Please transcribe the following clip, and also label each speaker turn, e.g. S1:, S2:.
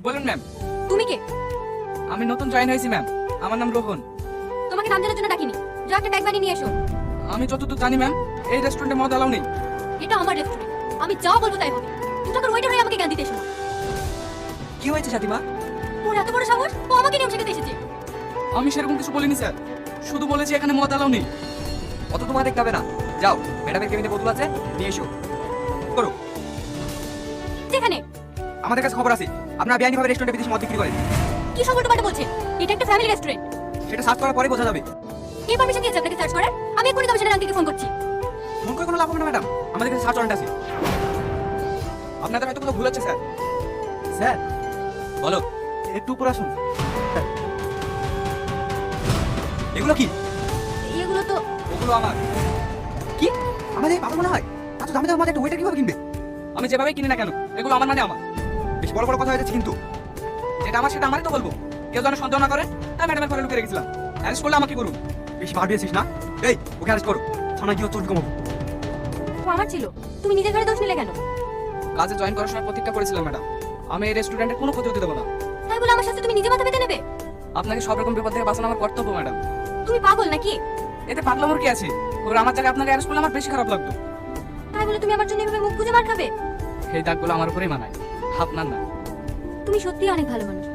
S1: বলুন ম্যাম।
S2: তুমি কে?
S1: আমি নতুন জয়েন হয়েছি ম্যাম, আমার নাম রোহন।
S2: তোমাকে নাম জানার জন্য ডাকিনি, যাও একটা ট্যাগ বানিয়ে নিয়ে এসো।
S1: আমি যতদূর জানি ম্যাম, এই রেস্টুরেন্টে মদ অ্যালাউ নেই।
S2: এটা আমার রেস্টুরেন্ট, আমি যা বলবো তাই হবে। তুমি তখন ওয়েটার হয়ে আমাকে জ্ঞান দিতে এসো না।
S1: কি হয়েছে সাথীমা?
S2: ওর এত বড় সাহস, ও আমাকে নিয়ম শেখাতে এসেছে।
S1: আমি সেরকম কিছু বলিনি স্যার, শুধু বলেছি এখানে মদ অ্যালাউ নেই।
S3: অত তোমার দেখতে হবে না, যাও ম্যাডামের কেবিনে বোতল আছে নিয়ে এসো। করো।
S2: যেখানে
S3: আমাদের কাছে খবর আছে আপনারা বেআইনিভাবে রেস্টুরেন্টে বিদেশি মদ বিক্রি করেন।
S2: কি সব উল্টোপাল্টা বলছেন? এটা একটা ফ্যামিলি রেস্টুরেন্ট।
S3: সেটা সার্চ করার পরে বোঝা যাবে।
S2: কে পারমিশন দিয়েছে আপনাকে সার্চ করার? আমি এক্ষুনি কমিশনার আঙ্কেলকে ফোন করছি।
S3: ফোন করে কোনো লাভ হবে না ম্যাডাম, আমাদের কাছে সার্চ ওয়ারেন্ট আছে।
S1: আপনাদের হয়তো কোনো ভুল হচ্ছে স্যার।
S3: স্যার
S1: বলো।
S3: একটু উপর আসুন। এগুলো কি?
S2: এগুলো তো
S1: ওগুলো আমার।
S3: কি আমাদের এই পাগল মনে হয়? এত দামি দামি মদ একটা ওয়েটার কিভাবে কিনবে?
S1: আমি যেভাবে কিনি না কেন, এগুলো আমার মানে আমার।
S3: বেশ বড় বড় কথা হয়ে যাচ্ছে কিন্তু।
S1: যেটা আমার সেটা আমারই তো বলবো। কেউ যেন সন্দেহ না করে, তাই ম্যাডামের ঘরে লুকিয়ে রেখেছিলাম। অ্যারেস্ট করলে আমাকে করুন।
S3: বেশি বার দিয়েছিস না? এই ওকে অ্যারেস্ট করো, থানায় গিয়ে চোর কমাবো।
S2: ও আমার ছিল, তুমি নিজের ঘরে দোষ নিলে কেন?
S1: কাজে জয়েন করার সময় প্রতিজ্ঞা করেছিলাম ম্যাডাম, আমি এই রেস্টুরেন্টের কোনো ক্ষতি হতে দেবো না।
S2: তাই বলে আমার সাথে তুমি নিজে মাথা পেতে নেবে?
S1: আপনাকে সব রকম বিপদ থেকে বাঁচানো আমার কর্তব্য ম্যাডাম।
S2: তুমি পাগল নাকি?
S1: এতে পাগলামোর কি আছে? ওরা আমার জায়গায় আপনাকে অ্যারেস্ট করলে আমার বেশি খারাপ লাগতো।
S2: তাই বলে তুমি আমার জন্য এভাবে মুখ বুজে মার খাবে?
S1: এই দাগগুলো আমার উপরেই মানায়, আপনার না।
S2: তুমি সত্যিই অনেক ভালো মানুষ।